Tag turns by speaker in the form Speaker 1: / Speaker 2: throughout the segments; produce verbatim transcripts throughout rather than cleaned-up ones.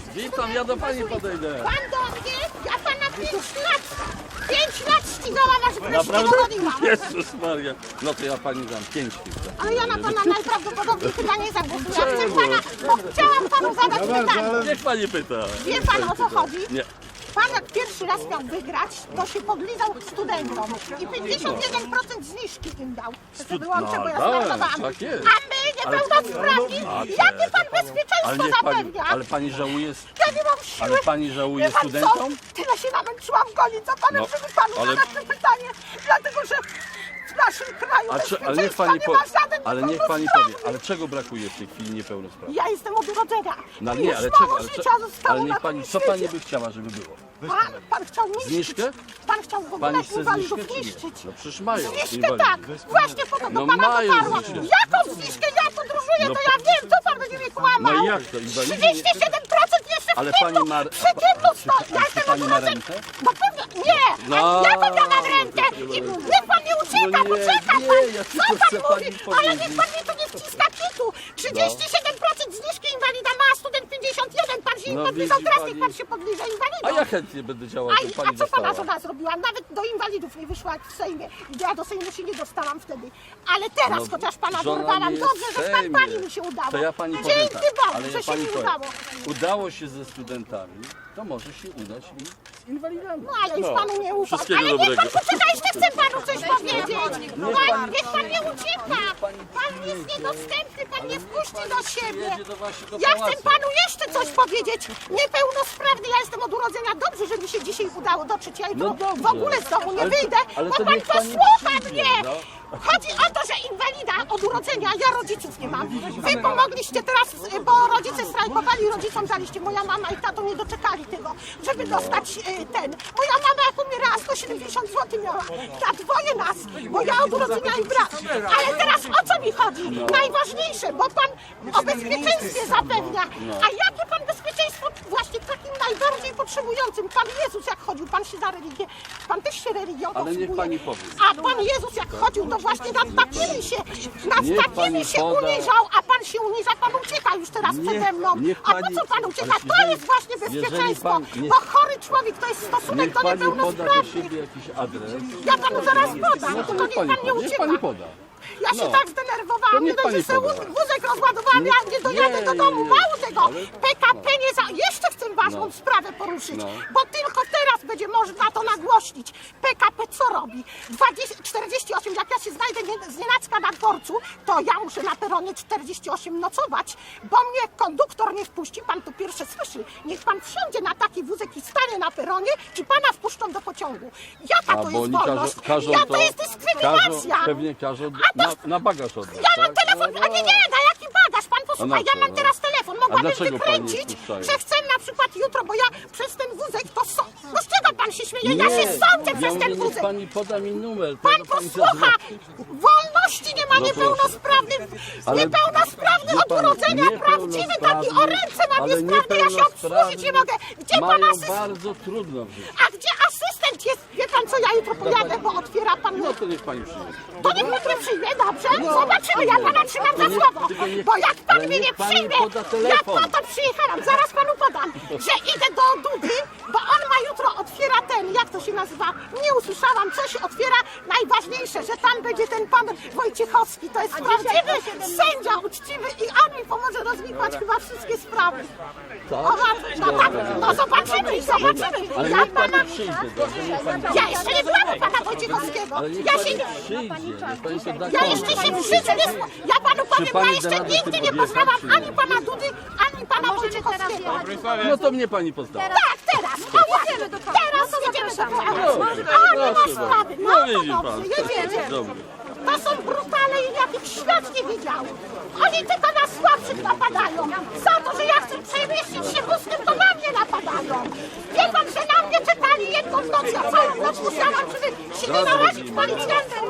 Speaker 1: Witam, ja do pani podejdę.
Speaker 2: Pan do mnie? Ja pana pięć lat, pięć lat ścigałam, aż wreszcie
Speaker 1: Naprawdę?
Speaker 2: dogoniłam.
Speaker 1: Jezus Maria. No to ja pani dam pięć chwil.
Speaker 2: Ale ja na pana najprawdopodobniej chyba nie zagłosuję. Ja chcę pana, bo chciałam panu zadać pytanie.
Speaker 1: Niech pani pyta.
Speaker 2: Wie pan, o co chodzi?
Speaker 1: Nie.
Speaker 2: Pan jak pierwszy raz miał wygrać, to się podlizał studentom i pięćdziesiąt jeden procent zniżki im dał. To wyłączę, bo ja
Speaker 1: no,
Speaker 2: startowałam.
Speaker 1: tak jest.
Speaker 2: A my niepełnosprawni, jakie pan
Speaker 1: Ale
Speaker 2: bezpieczeństwo
Speaker 1: niech pani,
Speaker 2: zapewnia?
Speaker 1: ale pani żałuje,
Speaker 2: Ja nie mam siły.
Speaker 1: ale pani żałuje
Speaker 2: Wie pan co?
Speaker 1: studentom?
Speaker 2: Tyle się namęczyłam gonić za panem,
Speaker 1: No,
Speaker 2: żeby panu
Speaker 1: ale-
Speaker 2: zadać to pytanie. Dlatego, że w naszym kraju
Speaker 1: A czy, ale niech
Speaker 2: bezpieczeństwa
Speaker 1: pani
Speaker 2: nie
Speaker 1: powie,
Speaker 2: ma żaden
Speaker 1: ale niech pani powie,
Speaker 2: niepełnosprawny.
Speaker 1: ale czego brakuje w tej chwili niepełnosprawnym?
Speaker 2: Ja jestem od urodzenia.
Speaker 1: No
Speaker 2: Już
Speaker 1: nie, ale
Speaker 2: mało
Speaker 1: czego? Ale,
Speaker 2: życia
Speaker 1: cze-
Speaker 2: zostało
Speaker 1: ale
Speaker 2: na
Speaker 1: niech pani,
Speaker 2: tym
Speaker 1: co pani
Speaker 2: świecie.
Speaker 1: by chciała, żeby było?
Speaker 2: Pan, pan chciał niszczyć.
Speaker 1: Zniżkę?
Speaker 2: Pan chciał w ogóle
Speaker 1: Pani chce
Speaker 2: inwalidów
Speaker 1: zniżkę czy nie?
Speaker 2: niszczyć.
Speaker 1: No przecież mają
Speaker 2: Zniżkę
Speaker 1: inwalidów.
Speaker 2: tak, właśnie po to do
Speaker 1: No
Speaker 2: pana
Speaker 1: mają
Speaker 2: dotarłam.
Speaker 1: zniżkę.
Speaker 2: Jaką zniżkę? Ja podróżuję,
Speaker 1: No
Speaker 2: to ja wiem, co pan będzie mnie kłamał.
Speaker 1: No i jak to? Inwalidzi?
Speaker 2: trzydzieści siedem procent jeszcze
Speaker 1: Ale
Speaker 2: w kwietniu,
Speaker 1: pani ma-
Speaker 2: przy kwietniu sto.
Speaker 1: a czy-
Speaker 2: Ja
Speaker 1: a czy
Speaker 2: jestem
Speaker 1: pani
Speaker 2: od
Speaker 1: ma
Speaker 2: urodzenia.
Speaker 1: rentę?
Speaker 2: No pewnie, nie,
Speaker 1: No.
Speaker 2: a jaką ja mam rentę? I niech pan nie ucieka,
Speaker 1: No nie,
Speaker 2: poczeka
Speaker 1: nie,
Speaker 2: pan.
Speaker 1: ja
Speaker 2: Co
Speaker 1: tylko
Speaker 2: pan
Speaker 1: chcę
Speaker 2: mówi?
Speaker 1: pani
Speaker 2: Ale niech
Speaker 1: powiedzieć.
Speaker 2: pan mnie tu nie wciska kitu. trzydzieści siedem procent zniżki inwalida ma, a student pięćdziesiąt jeden. Pan się
Speaker 1: No
Speaker 2: nie podlizał,
Speaker 1: widzi
Speaker 2: teraz
Speaker 1: pani.
Speaker 2: niech pan się podliże inwalidą.
Speaker 1: A ja chętnie będę działał,
Speaker 2: A,
Speaker 1: żeby
Speaker 2: a
Speaker 1: pani
Speaker 2: co pana
Speaker 1: dostała.
Speaker 2: żona zrobiła? Nawet do inwalidów nie wyszła w Sejmie. Ja do Sejmu się nie dostałam wtedy. Ale teraz,
Speaker 1: No,
Speaker 2: chociaż pana
Speaker 1: żona
Speaker 2: dorwałam,
Speaker 1: nie
Speaker 2: dobrze,
Speaker 1: jest
Speaker 2: że
Speaker 1: w
Speaker 2: z pan
Speaker 1: Sejmie.
Speaker 2: pani mi się udało.
Speaker 1: To ja pani powiem
Speaker 2: Dzięki
Speaker 1: tak,
Speaker 2: Bogu,
Speaker 1: ale
Speaker 2: że
Speaker 1: ja
Speaker 2: się
Speaker 1: pani
Speaker 2: mi
Speaker 1: powiem.
Speaker 2: udało.
Speaker 1: Udało się ze studentami, to może się udać i z inwalidami.
Speaker 2: No, ale już panu nie ufam.
Speaker 1: Wszystkiego
Speaker 2: Ale niech pan
Speaker 1: dobrego.
Speaker 2: poczeka, jeszcze chcę panu coś powiedzieć.
Speaker 1: Niech
Speaker 2: Pan,
Speaker 1: pani-
Speaker 2: niech pan nie ucieka.
Speaker 1: pani
Speaker 2: Pan jest niedostępny, pan nie wpuści do siebie.
Speaker 1: Jedzie do właśnie do
Speaker 2: Ja chcę
Speaker 1: pałacu.
Speaker 2: panu jeszcze coś powiedzieć. Niepełnosprawny, ja jestem od urodzenia. Dobrze, że mi się dzisiaj udało dotrzeć. Ja jutro
Speaker 1: No dobrze.
Speaker 2: w ogóle z domu nie
Speaker 1: Ale to-
Speaker 2: wyjdę,
Speaker 1: ale
Speaker 2: bo
Speaker 1: to
Speaker 2: pan
Speaker 1: niech pani
Speaker 2: posłucha
Speaker 1: przyjdzie,
Speaker 2: mnie.
Speaker 1: no.
Speaker 2: Chodzi o to, że inwalida od urodzenia, ja rodziców nie mam. Wy pomogliście teraz, y, bo rodzice strajkowali, rodzicom daliście. Moja mama i tato nie doczekali tego, żeby dostać y, ten. Moja mama jak umierała sto siedemdziesiąt złotych miała na dwoje nas, bo ja od urodzenia i brat. Ale teraz o co mi chodzi? Najważniejsze, bo pan o bezpieczeństwie zapewnia. A jakie pan bezpieczeństwo właśnie takim najbardziej potrzebującym? Pan Jezus jak chodził, pan się za religię, pan też się religią
Speaker 1: Ale niech
Speaker 2: posługuje.
Speaker 1: pani powie.
Speaker 2: A pan Jezus jak chodził, to właśnie nad takimi się, nad
Speaker 1: Niech
Speaker 2: takimi
Speaker 1: pani
Speaker 2: się
Speaker 1: poda-
Speaker 2: uniżał, a pan się uniża, pan ucieka już teraz
Speaker 1: Niech-
Speaker 2: przede mną.
Speaker 1: niech
Speaker 2: A po
Speaker 1: pani-
Speaker 2: co pan ucieka?
Speaker 1: ale
Speaker 2: To
Speaker 1: jeżeli-
Speaker 2: jest właśnie
Speaker 1: jeżeli
Speaker 2: bezpieczeństwo,
Speaker 1: pan- niech-
Speaker 2: bo chory człowiek to jest stosunek
Speaker 1: Niech
Speaker 2: do
Speaker 1: pani poda do
Speaker 2: niepełnosprawnych.
Speaker 1: siebie jakiś adres.
Speaker 2: Ja panu zaraz podam,
Speaker 1: No to
Speaker 2: tylko
Speaker 1: niech
Speaker 2: niech
Speaker 1: pani
Speaker 2: pan nie
Speaker 1: poda. Niech
Speaker 2: ucieka.
Speaker 1: pani poda.
Speaker 2: Ja się
Speaker 1: No.
Speaker 2: tak
Speaker 1: To
Speaker 2: zdenerwowałam, nie
Speaker 1: niech
Speaker 2: dość, że
Speaker 1: pani
Speaker 2: sobie
Speaker 1: poda.
Speaker 2: wóz- wózek rozładowałam, ja nie dojadę
Speaker 1: nie,
Speaker 2: do domu,
Speaker 1: nie.
Speaker 2: mało tego.
Speaker 1: Ale-
Speaker 2: P K P nie za... Jeszcze chcę ważną
Speaker 1: No.
Speaker 2: sprawę poruszyć,
Speaker 1: No.
Speaker 2: bo tylko teraz będzie można to nagłośnić. P K P co robi? dwadzieścia, czterdzieści osiem, jak ja się znajdę nie, z nienacka na dworcu, to ja muszę na peronie czterdzieści osiem nocować, bo mnie konduktor nie wpuści, pan to pierwsze słyszy. Niech pan wsiądzie na taki wózek i stanie na peronie, czy pana wpuszczą do pociągu. Jaka
Speaker 1: A
Speaker 2: to
Speaker 1: bo
Speaker 2: jest
Speaker 1: oni
Speaker 2: wolność?
Speaker 1: każą, każą
Speaker 2: ja,
Speaker 1: to,
Speaker 2: to jest dyskryminacja.
Speaker 1: Każą, pewnie każą
Speaker 2: A
Speaker 1: na,
Speaker 2: to-
Speaker 1: na bagaż oddać,
Speaker 2: Ja mam
Speaker 1: tak?
Speaker 2: telefon,
Speaker 1: No,
Speaker 2: a nie, nie, na jaki bagaż? Pan posłuchaj,
Speaker 1: A na
Speaker 2: ja
Speaker 1: co,
Speaker 2: mam
Speaker 1: no?
Speaker 2: teraz telefon,
Speaker 1: A
Speaker 2: mogłabym
Speaker 1: dlaczego pani
Speaker 2: wykręcić,
Speaker 1: wpuszczają?
Speaker 2: że chcę na przykład jutro, bo ja przez ten wózek to so... No z czego pan się śmieje? Ja
Speaker 1: Nie,
Speaker 2: się sądzę
Speaker 1: ja
Speaker 2: przez
Speaker 1: mówię,
Speaker 2: ten
Speaker 1: niech
Speaker 2: wózek.
Speaker 1: pani poda mi numer. to
Speaker 2: Pan
Speaker 1: ja pani
Speaker 2: posłucha,
Speaker 1: zadzwonię.
Speaker 2: wolności nie ma
Speaker 1: No proszę.
Speaker 2: niepełnosprawny,
Speaker 1: Ale
Speaker 2: niepełnosprawny
Speaker 1: wie
Speaker 2: od
Speaker 1: pani,
Speaker 2: urodzenia, prawdziwy taki o ręce ma
Speaker 1: ale
Speaker 2: niesprawny, ja się obsłużyć nie mogę. Gdzie pan
Speaker 1: mają
Speaker 2: asystent?
Speaker 1: bardzo trudno w życiu.
Speaker 2: A gdzie asystent jest? Wie pan co, ja jutro pojadę, bo otwiera pan...
Speaker 1: No to niech pani przyjdzie.
Speaker 2: To niech mnie nie przyjmie, dobrze?
Speaker 1: No,
Speaker 2: Zobaczymy, ja pana trzymam za
Speaker 1: to niech-
Speaker 2: słowo.
Speaker 1: tylko niech-
Speaker 2: Bo jak pan
Speaker 1: ale
Speaker 2: mnie
Speaker 1: niech
Speaker 2: nie
Speaker 1: pani
Speaker 2: przyjmie,
Speaker 1: poda
Speaker 2: ja
Speaker 1: telefon.
Speaker 2: po to przyjechałam, zaraz panu podam, że idę do Dudy, bo on ma jutro, otwiera ten, jak to się nazywa, nie usłyszałam, coś otwiera, najważniejsze, że tam będzie ten pan Wojciechowski, to jest prawdziwy sędzia uczciwy i on mi pomoże rozwikłać chyba wszystkie sprawy.
Speaker 1: Tak?
Speaker 2: O, no tak, no zobaczymy, zobaczymy.
Speaker 1: Ale
Speaker 2: Ja
Speaker 1: niech pani
Speaker 2: pana...
Speaker 1: przyjdzie, dobrze? Niech pani
Speaker 2: Ja jeszcze nie byłam pana Wojciechowskiego.
Speaker 1: Ale niech
Speaker 2: Ja
Speaker 1: pani
Speaker 2: się nie...
Speaker 1: przyjdzie, niech pani się da
Speaker 2: Ja jeszcze się w życiu nie... spo- Ja panu powiem, ja
Speaker 1: pani
Speaker 2: jeszcze
Speaker 1: da radę
Speaker 2: nigdy
Speaker 1: tu
Speaker 2: nie
Speaker 1: podjechać,
Speaker 2: poznałam
Speaker 1: czy nie?
Speaker 2: ani pana Dudy, ani pana Wojciechowskiego.
Speaker 1: No to mnie pani poznała.
Speaker 2: Tak, teraz, no jedziemy do teraz jedziemy do
Speaker 1: Dobrze,
Speaker 2: A, nie ma
Speaker 1: proszę
Speaker 2: sprawy,
Speaker 1: bardzo.
Speaker 2: no
Speaker 1: No
Speaker 2: to
Speaker 1: widzi pan.
Speaker 2: dobrze, jedziemy.
Speaker 1: Dobrze.
Speaker 2: To są brutale, jakich świat nie widział. Oni tylko na słabszych napadają. Za to, że ja chcę przemieścić się wózkiem, to na mnie napadają. Wie pan, że na mnie czekali jedną noc, ja całą noc musiałam, żeby się nie narazić policjantem.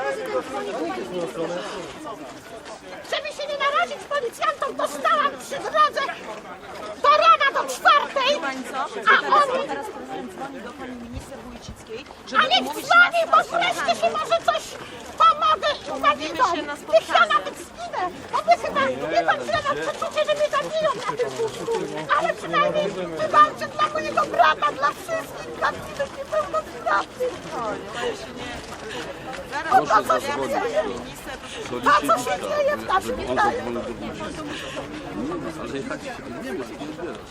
Speaker 2: Żeby się nie narazić policjantom, dostałam przy drodze do rana do czwartej,
Speaker 3: Pani co?
Speaker 2: a oni...
Speaker 3: Teraz prezydent dzwoni do pani minister Wójcickiej,
Speaker 2: A
Speaker 3: żeby
Speaker 2: niech
Speaker 3: umówić
Speaker 2: dzwoni,
Speaker 3: nas
Speaker 2: bo
Speaker 3: na spotkanie.
Speaker 2: wreszcie się może coś pomogę inwalidom.
Speaker 3: się na
Speaker 2: Niech ja
Speaker 3: spotkanie.
Speaker 2: nawet zginę, bo my chyba wie pan, że ja mam przeczucie, że mnie zabiją na tym wózku. Ale przynajmniej wybawcie dla mojego brata, dla wszystkich, dla innych niepełnosprawnych. O to, co się dzieje.
Speaker 1: Do
Speaker 2: A co się
Speaker 1: Liesiewicza,
Speaker 2: dzieje w naszym
Speaker 1: żeby on
Speaker 2: kraju?
Speaker 1: zadzwonił do Wójcickiego. Nie, ale ja nie wiem, co nie zbierasz.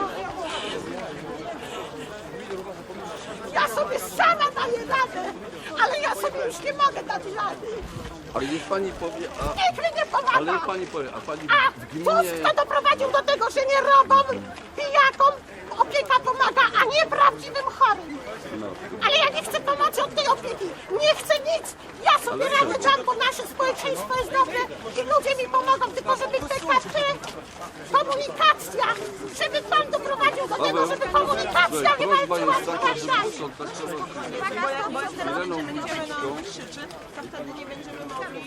Speaker 2: Ja sobie sama daję radę, ale ja sobie już nie mogę dać rady.
Speaker 1: Ale niech pani powie, a,
Speaker 2: Nikt mi nie pomaga.
Speaker 1: ale niech pani powie, a pani
Speaker 2: A
Speaker 1: w gminie...
Speaker 2: Tusk to doprowadził do tego, że nie robom, pijakom opieka pomaga, a nie prawdziwym chorym.
Speaker 1: No.
Speaker 2: Ale ja nie chcę pomocy od tej opieki. Nie chcę nic. Ja sobie
Speaker 1: Ale
Speaker 2: radę
Speaker 1: czemu?
Speaker 2: dam, bo nasze społeczeństwo jest dobre i ludzie mi pomogą, tylko żeby te karty, komunikacja, żeby pan doprowadził do tego, żeby komunikacja nie
Speaker 1: Prośba
Speaker 2: walczyła
Speaker 1: jest
Speaker 2: z
Speaker 1: taka, żeby
Speaker 2: krajami.
Speaker 1: sprzątać trzeba
Speaker 3: Bo jak, bo jak teraz
Speaker 1: Ireną
Speaker 3: będziemy na
Speaker 1: Wójcicką.
Speaker 3: nas krzyczy, to wtedy nie będziemy mogli...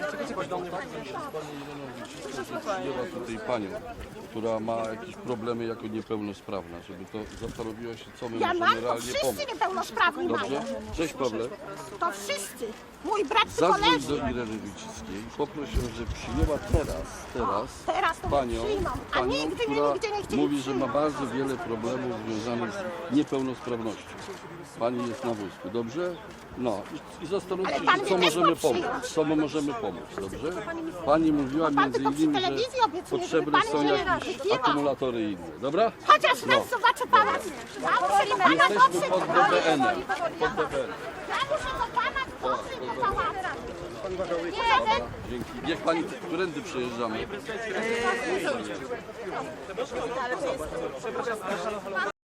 Speaker 1: Przyjęła tutaj panią, która ma jakieś problemy jako niepełnosprawna, żeby to zastanowiła się, co my
Speaker 2: Ja mam,
Speaker 1: możemy
Speaker 2: to
Speaker 1: realnie
Speaker 2: wszyscy
Speaker 1: pomóc.
Speaker 2: niepełnosprawni
Speaker 1: Dobrze?
Speaker 2: mają.
Speaker 1: Cześć Pawle.
Speaker 2: To wszyscy. Mój brat
Speaker 1: Zadzwoń do
Speaker 2: koleżki.
Speaker 1: Ireny Wójcickiej. Poproś ją, że przyjęła teraz, teraz,
Speaker 2: Teraz to mnie
Speaker 1: panią,
Speaker 2: przyjmą, a
Speaker 1: panią,
Speaker 2: nigdy mnie
Speaker 1: która
Speaker 2: nigdzie nie chcieli
Speaker 1: mówi, że ma
Speaker 2: przyjąć.
Speaker 1: bardzo wiele problemów związanych z niepełnosprawnością. Pani jest na wózku, dobrze? No i, i zastanówcie
Speaker 2: Ale pan
Speaker 1: się, co
Speaker 2: mnie też
Speaker 1: możemy
Speaker 2: ma
Speaker 1: pomóc,
Speaker 2: przyjąć.
Speaker 1: co my możemy pomóc, dobrze? Pani mówiła
Speaker 2: Bo pan
Speaker 1: między
Speaker 2: tylko przy
Speaker 1: innymi, że
Speaker 2: telewizji obiecuje,
Speaker 1: potrzebne
Speaker 2: żeby
Speaker 1: są
Speaker 2: pani nie
Speaker 1: jakieś
Speaker 2: wykiwał.
Speaker 1: akumulatory inne, dobra?
Speaker 2: Chociaż raz zobaczę pana. Ja muszę do pana
Speaker 1: Jesteśmy
Speaker 2: dotrzeć.
Speaker 1: pod D B N-em. Pod D B N.
Speaker 2: Ja muszę do pana dotrzeć do pałacu. Jeden.
Speaker 1: Dzięki. Niech pani, którędy przejeżdżamy?